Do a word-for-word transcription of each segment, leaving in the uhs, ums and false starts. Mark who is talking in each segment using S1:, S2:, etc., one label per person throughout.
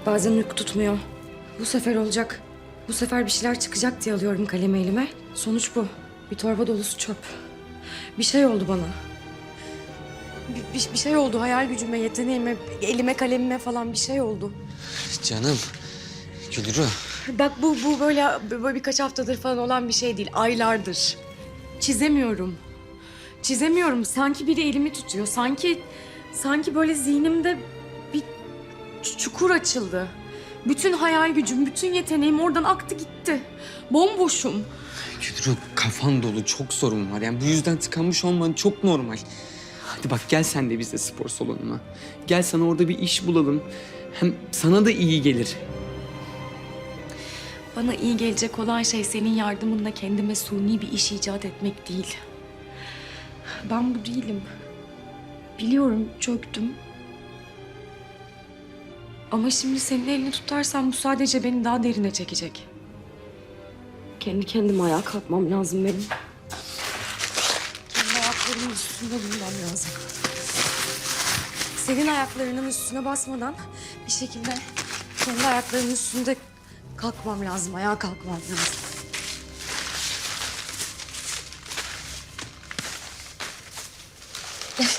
S1: Bazen uyku tutmuyor. Bu sefer olacak. Bu sefer bir şeyler çıkacak diye alıyorum kalemi elime. Sonuç bu. Bir torba dolusu çöp. Bir şey oldu bana. Bir, bir, bir şey oldu hayal gücüme, yeteneğime, elime, kalemime falan bir şey oldu.
S2: Canım, Gülru.
S1: Bak bu, bu böyle, böyle birkaç haftadır falan olan bir şey değil. Aylardır. Çizemiyorum. Çizemiyorum. Sanki biri elimi tutuyor. Sanki, sanki böyle zihnimde bir ç- çukur açıldı. Bütün hayal gücüm, bütün yeteneğim oradan aktı gitti. Bomboşum.
S2: Gülru, kafan dolu, çok sorun var. Yani bu yüzden tıkanmış olman çok normal. Hadi bak, gel sen de bizle spor salonuna. Gel, sana orada bir iş bulalım. Hem sana da iyi gelir.
S1: Bana iyi gelecek olan şey senin yardımınla kendime suni bir iş icat etmek değil. Ben bu değilim. Biliyorum, çöktüm. Ama şimdi senin elini tutarsam bu sadece beni daha derine çekecek. Kendi kendime ayağa kalkmam lazım benim. Kendi ayaklarımın üstünde durmam lazım. Senin ayaklarının üstüne basmadan bir şekilde kendi ayaklarımın üstünde kalkmam lazım, ayağa kalkmam lazım. Gel.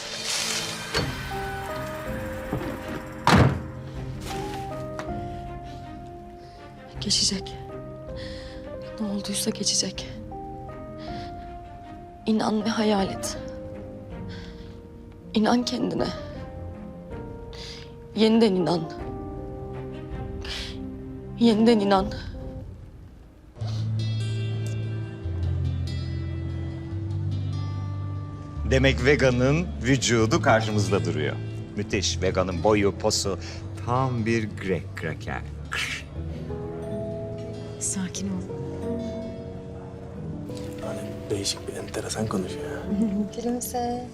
S1: Geçecek. Ne olduysa geçecek. İnan ve hayal et. İnan kendine. Yeniden inan. Yeniden inan.
S3: Demek veganın vücudu karşımızda duruyor. Müthiş. Veganın boyu, posu tam bir Grek kraker.
S4: Sakin ol.
S5: Hani değişik bir enteresan konuşuyor ya.
S4: Gülümse.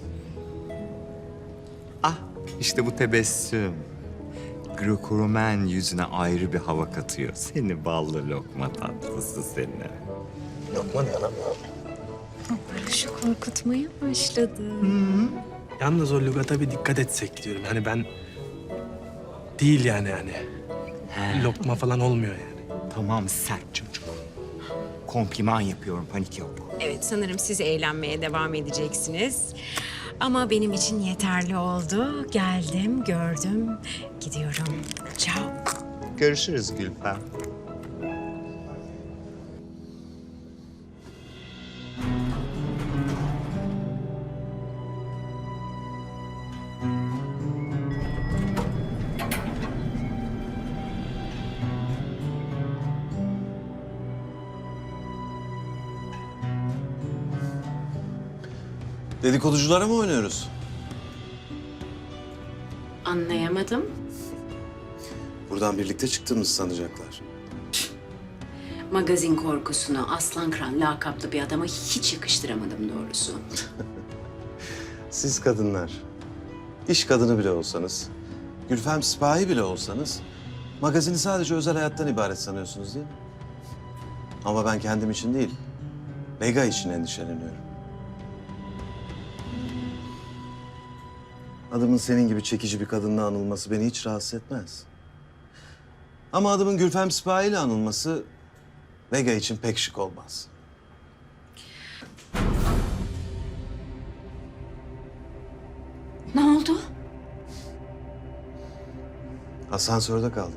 S3: Ah, işte bu tebessüm. Greco-Romen yüzüne ayrı bir hava katıyor. Seni ballı lokma tatlısı seni.
S5: Lokma ne lan?
S4: Barış'ı korkutmaya başladı.
S5: Yalnız o lügata bir dikkat etsek diyorum. Hani ben değil yani hani. Lokma falan olmuyor yani.
S3: Tamam, sert çocuk. Kompliman yapıyorum, panik yok.
S6: Evet, sanırım siz eğlenmeye devam edeceksiniz. Ama benim için yeterli oldu. Geldim, gördüm, gidiyorum. Ciao.
S3: Görüşürüz Gülfem.
S7: Dedikoduculara mı oynuyoruz?
S6: Anlayamadım.
S7: Buradan birlikte çıktığımızı sanacaklar.
S6: Magazin korkusunu Aslan Kran lakaplı bir adama hiç yakıştıramadım doğrusu.
S7: Siz kadınlar, iş kadını bile olsanız, Gülfem sipahi bile olsanız, magazini sadece özel hayattan ibaret sanıyorsunuz değil mi? Ama ben kendim için değil, Vega için endişeleniyorum. Adımın senin gibi çekici bir kadınla anılması beni hiç rahatsız etmez. Ama adımın Gülfem Sipahi ile anılması Vega için pek şık olmaz.
S6: Ne oldu?
S7: Asansörde kaldık.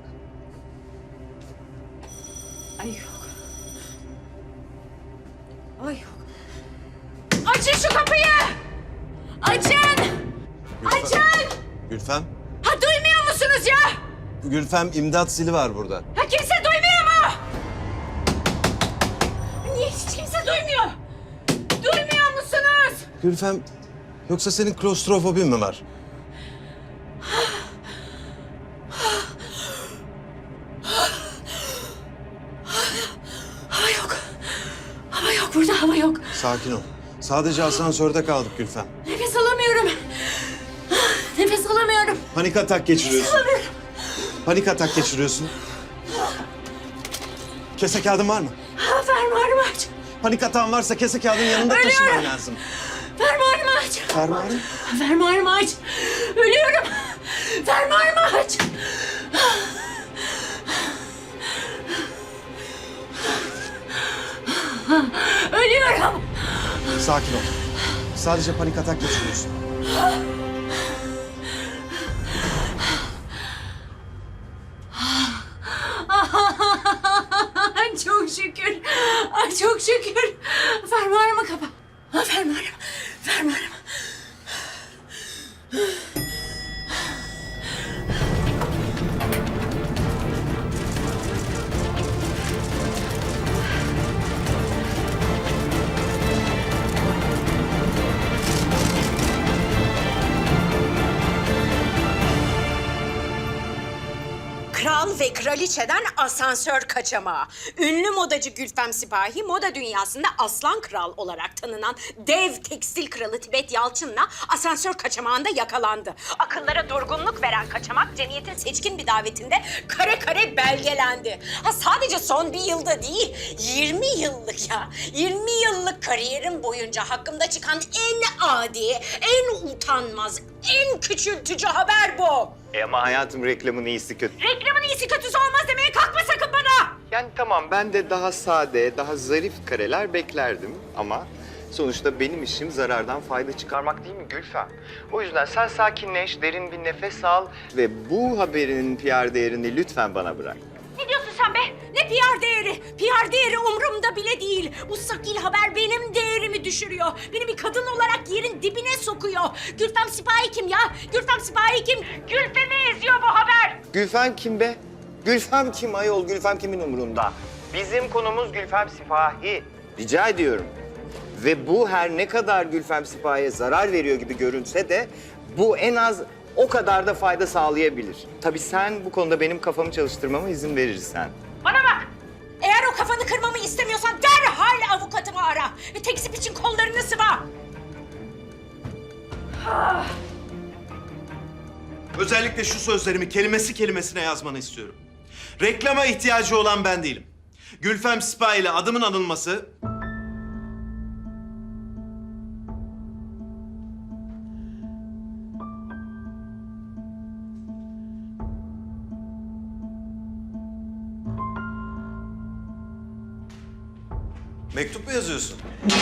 S6: Ay yok. Ay yok. Açın şu kapıyı! Açın!
S7: Gülfem.
S6: Açın!
S7: Gülfem,
S6: Ha duymuyor musunuz ya?
S7: Gülfem imdat zili var burada.
S6: Ha kimse duymuyor mu? Niye hiç kimse duymuyor? Duymuyor musunuz?
S7: Gülfem, yoksa senin klostrofobin mi var?
S6: Hava yok. Hava yok burada hava yok.
S7: Sakin ol. Sadece asansörde kaldık Gülfem.
S6: Nefes alamıyorum. Nefes alamıyorum.
S7: Panik atak geçiriyorsun. Panik atak geçiriyorsun. Kese kağıdın var mı?
S6: Ha, fermuarımı aç.
S7: Panik atağın varsa kese kağıdın yanında taşıman lazım.
S6: Fermuarımı aç.
S7: Fermuarın?
S6: Fermuarımı aç. Ölüyorum. Fermuarımı aç.
S1: Ölüyorum.
S7: Sakin ol. Sadece panik atak geçiriyorsun.
S1: Çok şükür. Ay çok şükür. Fermuarımı kapa. Ha, fermuarım. Fermuarım.
S6: Kral ve kraliçeden asansör kaçamağı. Ünlü modacı Gülfem Sipahi, moda dünyasında aslan kral olarak tanınan dev tekstil kralı Tibet Yalçın'la asansör kaçamağında yakalandı. Akıllara durgunluk veren kaçamak, cemiyetin seçkin bir davetinde kare kare belgelendi. Ha sadece son bir yılda değil, yirmi yıllık ya. yirmi yıllık kariyerim boyunca hakkımda çıkan en adi, en utanmaz, en küçültücü haber bu.
S3: E ama hayatım reklamın iyisi kötü.
S6: Reklamın iyisi kötüsü olmaz demeye kalkma sakın bana.
S3: Yani tamam ben de daha sade, daha zarif kareler beklerdim ama sonuçta benim işim zarardan fayda çıkarmak değil mi Gülfem? O yüzden sen sakinleş, derin bir nefes al ve bu haberinin P R değerini lütfen bana bırak.
S6: Ne diyorsun sen be? Ne P R değeri? P R değeri umurumda bile değil. Bu sakil haber benim değerimi düşürüyor. Beni bir kadın olarak yerin dibine sokuyor. Gülfem Sipahi kim ya? Gülfem Sipahi kim? Gülfem'i eziyor bu haber.
S3: Gülfem kim be? Gülfem kim ayol? Gülfem kimin umurunda? Bizim konumuz Gülfem Sipahi. Rica ediyorum. Ve bu her ne kadar Gülfem Sipahi'ye zarar veriyor gibi görünse de bu en az o kadar da fayda sağlayabilir. Tabii sen bu konuda benim kafamı çalıştırmama izin verirsen.
S6: Bana bak. Eğer o kafanı kırmamı istemiyorsan derhal avukatımı ara. Ve tekzip için kollarını sıva.
S7: Özellikle şu sözlerimi kelimesi kelimesine yazmanı istiyorum. Reklama ihtiyacı olan ben değilim. Gülfem Sipahi ile adımın anılması... Mektup mu yazıyorsun?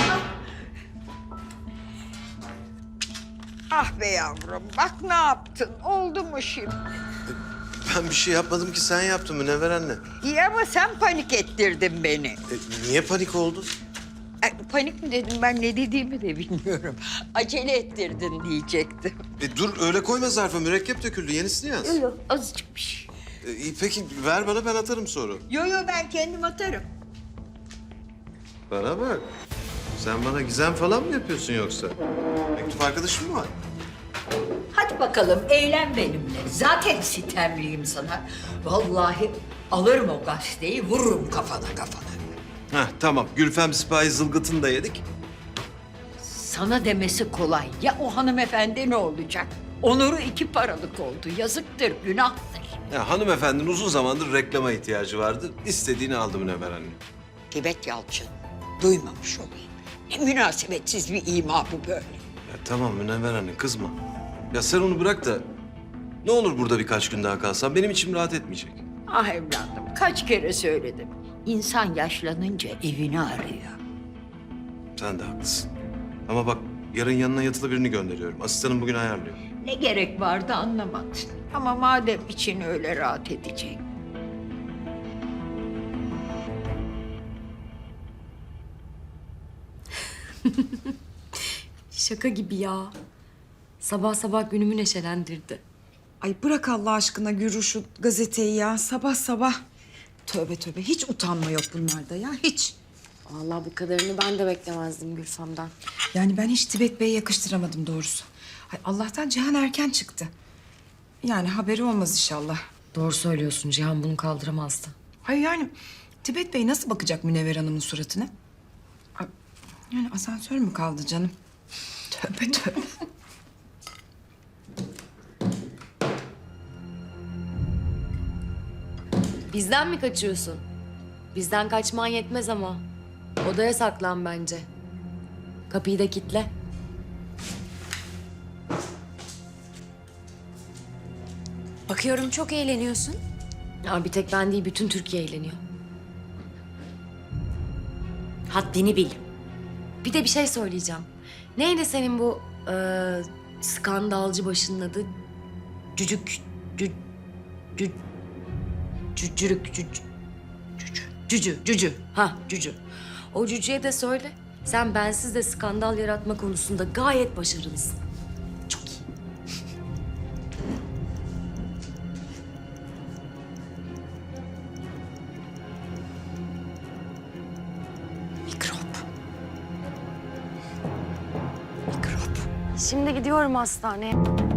S8: Ah be yavrum, bak ne yaptın? Oldu mu şimdi?
S7: Ben bir şey yapmadım ki, sen yaptın Münevver anne.
S8: İyi ama sen panik ettirdin beni.
S7: E, niye panik oldun?
S8: Ay, panik mi dedim, ben ne dediğimi de bilmiyorum. Acele ettirdin diyecektim.
S7: E, dur öyle koyma zarfa, mürekkep döküldü, yenisini yaz.
S8: Yok, azıcık bir şey.
S7: E, iyi, peki ver bana, ben atarım sonra.
S8: Yo yo, ben kendim atarım.
S7: Bana bak. Sen bana gizem falan mı yapıyorsun yoksa? Mektup arkadaşın mı var?
S8: Hadi bakalım, eğlen benimle. Zaten sitemliyim sana. Vallahi alırım o gazeteyi, vururum kafana kafana.
S7: Heh, tamam. Gülfem Sipahi zılgıtını da yedik.
S8: Sana demesi kolay. Ya o hanımefendi ne olacak? Onuru iki paralık oldu. Yazıktır, günahtır.
S7: Ya hanımefendinin uzun zamandır reklama ihtiyacı vardı. İstediğini aldı Münevver anne.
S8: Tibet Yalçın, duymamış olayım. Ne münasebetsiz bir ima bu böyle.
S7: Ya tamam Münevver anne, kızma. Ya sen onu bırak da ne olur burada birkaç gün daha kalsan, benim içim rahat etmeyecek.
S8: Ah evladım, kaç kere söyledim. İnsan yaşlanınca evini arıyor.
S7: Sen de haklısın. Ama bak yarın yanına yatılı birini gönderiyorum. Asistanım bugün ayarlıyor.
S8: Ne gerek vardı anlamadın. Ama madem için öyle rahat edecek.
S1: Şaka gibi ya. Sabah sabah günümü neşelendirdi.
S9: Ay bırak Allah aşkına Gürü şu gazeteyi ya. Sabah sabah. Tövbe tövbe. Hiç utanma yok bunlarda ya. Hiç.
S1: Vallahi bu kadarını ben de beklemezdim Gülfem'den.
S9: Yani ben hiç Tibet Bey'e yakıştıramadım doğrusu. Ay Allah'tan Cihan erken çıktı. Yani haberi olmaz inşallah.
S1: Doğru söylüyorsun. Cihan bunu kaldıramazdı.
S9: Hayır yani Tibet Bey nasıl bakacak Münevver Hanım'ın suratına? Ay, yani asansör mü kaldı canım? Tövbe tövbe.
S1: Bizden mi kaçıyorsun? Bizden kaçman yetmez ama. Odaya saklan bence. Kapıyı da kilitle.
S6: Bakıyorum çok eğleniyorsun.
S1: Ya bir tek ben değil, bütün Türkiye eğleniyor.
S6: Haddini bil.
S1: Bir de bir şey söyleyeceğim. Neydi senin bu eee, skandalcı başının adı? Cücük... Cü, cü, cücürük... Cüc, cücü... Cücü, cücü. Ha, cücü. O cücüye de söyle. Sen bensiz de skandal yaratma konusunda gayet başarılısın. Çok iyi.
S6: Mikrop. Mikrop.
S1: Şimdi gidiyorum hastaneye.